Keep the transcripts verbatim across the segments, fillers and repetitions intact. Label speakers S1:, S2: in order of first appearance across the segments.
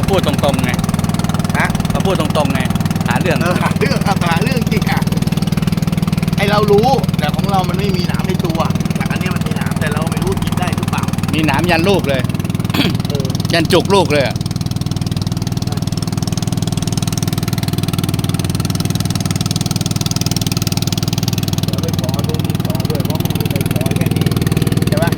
S1: พูดตรงๆไงฮะเขาพูดตรงๆไงหาเรื่อง
S2: เออหาเรื่องหาเรื่องจริงอ่ะไอเรารู้แต่ของเรามันไม่มีหนามในตัวแต่อันนี้มันมีหนามแต่เราไม่รู้กินได้หรือเปล่า
S1: มีหนามยันลูกเลย
S2: เออ
S1: ยันจุกลูกเลยอะ
S2: เราไปขอดูดินขอด้วยเพราะมันมีใครขอแค่นี้ใช่ปะ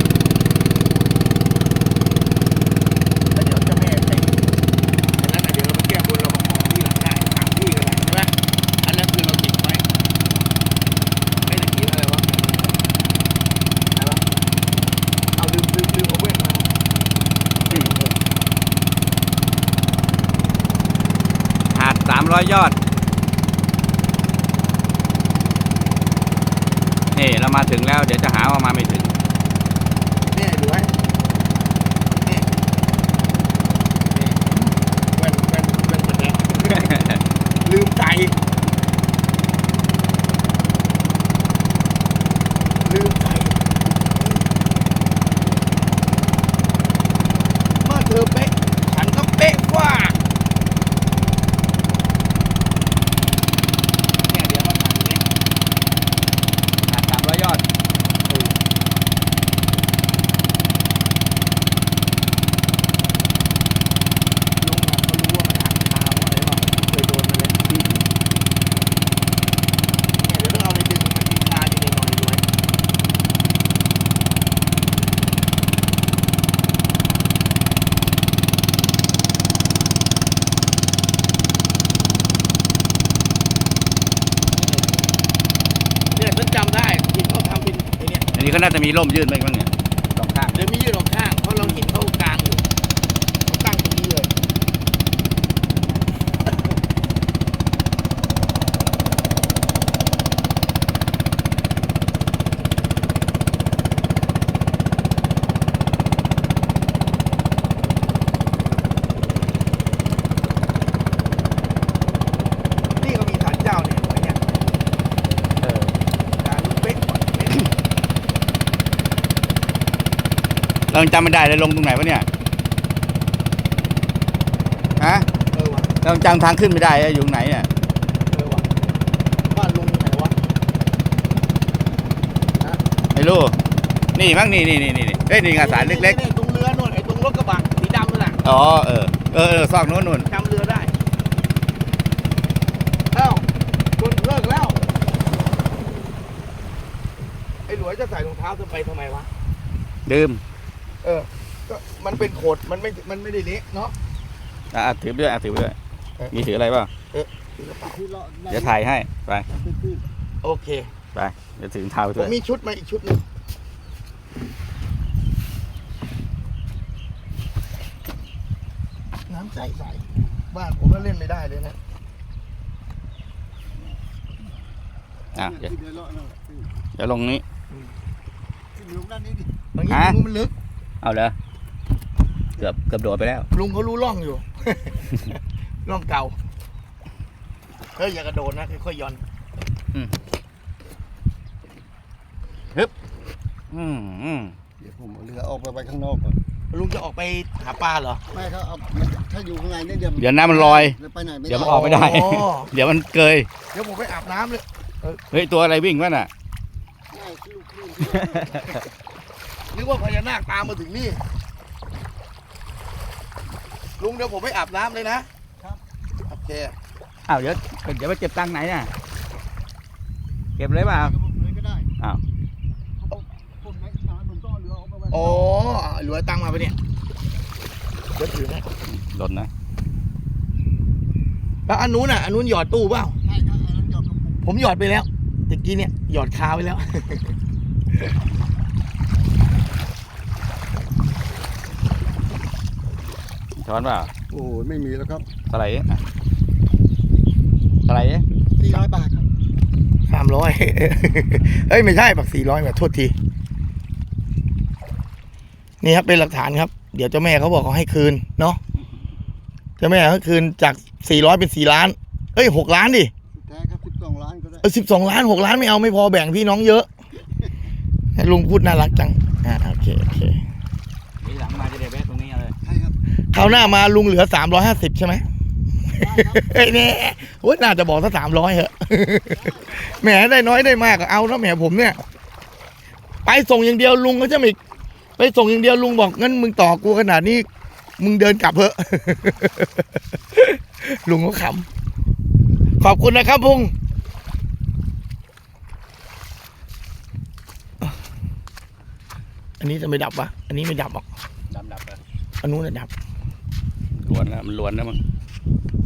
S2: แล้วเดี๋ยวเจ้าแม่ใส่อันนั้นเดี๋ยวเราไปแก้บนเรามาขอที่หลังได้ถามที่ก็ได้ใช่ปะอันนั้นคือเราติดไว้ไม่ได้กินอะไรวะอะไรวะเอาลืมลืมลืมเอาเว้นมา
S1: หาดสามร้อยยอดนี่เรามาถึงแล้วเดี๋ยวจะหาว่ามาไม่ถึง
S2: เนี่ยดูไว้เนี่ยเนี่ยแว่นแว่นแว่นกระแดงลืมใจลืมใจเมื่อเธอเป๊ะฉันก็เป๊ะกว่าเนี่ยเดี๋ยวมาถามเนี่ย
S1: หาดสามร้อยยอด
S2: ลุงอะเขารู้ว่ามันอ่านข่าวอะไรว่าเคยโดนมาแล้วเนี่ยเดี๋ยวต้องเอาไปดึงมันมีคาอยู่ในหน่อยด้วยเนี่ยฉันจำได้ที่เขาทำเป็นไอ้เนี่ย
S1: อันนี้ก็น่าจะมีร่มยื่นไปบ้างเนี่ยสองข้าง
S2: เดี๋ยวมียืดออกข้างเพราะเราเห็นเขากลางอยู่เขาตั้งตรงนี้เลยนี่ก็มีศาลเจ้าเนี่ยไว้เนี่ย
S1: เออ
S2: ศาลลุงเป๊กก่อนเป๊ก
S1: เราจำไม่ได้เลยลงตรงไหนวะเนี่ยฮะ
S2: เออวะ
S1: เราจำทางขึ้นไม่ได้อะอยู่ตรงไหนเนี่ย
S2: เออวะบ้านลุงไหนวะ
S1: ไม่รู้นี่มั้งนี่นี่นี่นี่เฮ้ยนี่งาสารเล็ก
S2: ๆตรงเรือนู่นไอ้ตรงรถกระบะสีดำนั่นแหละ
S1: ๆอ๋อเออเออเออซอกโน้นนู่น
S2: จำเรือได้เอ้าคนเลิกแล้วไอ้หลวยจะใส่รองเท้าจะไปทำไมวะ
S1: ดื่ม
S2: เออก็มันเป็นโขดมันไม่มันไม่ได้เละเนาะ
S1: อ่ะถือไปด้วยอ่ะถือไปด้วย
S2: เออ
S1: มีถืออะไรเปล่าเดี๋ยวถ่ายให้ไป
S2: โอเค
S1: ไปเดี๋ยวถือเท้าไป
S2: ผ
S1: ด้ว
S2: ม
S1: ย
S2: มีชุดมาอีกชุดหนึงน้ำใสใสบ้านผมก็เล่นไม่ได้เลยนะ
S1: อ่ะเดี๋ยวเดี๋ยวลงนี้
S2: บางที
S1: ฮะ
S2: ลุงมันลึก
S1: เอาเลยเกือบเกือบโดดไปแล้ว
S2: ลุงเขารู้ร่องอยู่ ร่องเก่าเฮ้ยอย่ากระโดดนะค่อยๆหย่อน
S1: อืมอืม
S3: เดี๋ยวผมเอาเรือออกไปไว้ข้างนอกก่อน
S2: ลุงจะออกไปหาปลาเหรอ
S3: ไม่ถ้าเอาถ้าอยู่ข้างในเนี่ยเดี๋ยว
S1: เดี๋ยวน้ำมันลอย
S3: ไปไหนไม่ได้
S1: เดี๋ยวมันออกไม่ได้
S2: อ๋อ
S1: เดี๋ยวมันเกย
S2: เดี๋ยวผมไปอาบน้ำเลย
S1: เฮ้ยตัวอะไรวิ่งวะน่ะ
S3: ง่ายลูกคลื่น
S2: นึกว่าพญานาคตามมาถึงนี่ ลุงเดี๋ยวผมไปอาบน้ำเลยนะครับ โอเค
S1: อ้าวเดี๋ยวเดี๋ยวไปเก็บตังค์ไหนน่ะเก็บเลยเปล่า
S3: เลยก็ได้
S1: อ้าว
S3: ผมไม่ช้าผมต้องเอาเรือออกไปไว้
S2: อ๋อหลวยตังค์มาปะเนี่ยเดี๋ยวถือนะ
S1: หล่นนะ
S2: แล้วอันนู้นอ่ะอันนู้นหยอดตู้เปล่า
S3: ใช่ครับอันนั้นหยอดกระปุก
S2: ผมหยอดไปแล้วตะกี้เนี่ยหยอดคาไว้แล้ว
S1: ช้อนเปล่า
S3: โอ้ยไม่มีแล้วครับ
S1: เท่าไหร่อ่ะเท่าไหร่
S3: สี่ร้อยบาทครับ
S2: สามร้อย เอ้ยไม่ใช่บักสี่ร้อยแบบโทษที นี่ครับเป็นหลักฐานครับ เดี๋ยวเจ้าแม่เขาบอกเขาให้คืนเนาะ เจ้าแม่เขาคืนจากสี่ร้อยเป็นสี่ล้าน เอ้ยหกล้านดิ
S3: สุดท้ายครับสิบสองล้านก็ได้
S2: เออสิบสองล้านหกล้านไม่เอาไม่พอแบ่งพี่น้องเยอะ ลุงพูดน่ารักจัง อ่าโอเคโอเค
S1: ทีหลังมาจะได้แวะตรงนี้เลย
S3: ใช่ครับ
S2: คราวหน้ามาลุงเหลือสามร้อยห้าสิบใช่ไหมเฮ้ยเนี่ยโอ้ยน่าจะบอกสักสามร้อยเหอะแหมได้น้อยได้มากก็เอานะแหมผมเนี่ยไปส่งอย่างเดียวลุงก็จะไม่ไปส่งอย่างเดียวลุงบอกงั้นมึงต่อกูขนาดนี้มึงเดินกลับเถอะ ลุงก็ขำขอบคุณนะครับพุงอันนี้จะไม่ดับวะอันนี้ไม่ดับหรอก
S1: ดำดับเลย
S2: อันนู้นจะดับ
S1: ล้วนแล้วมันล้วนแล้วมั้ง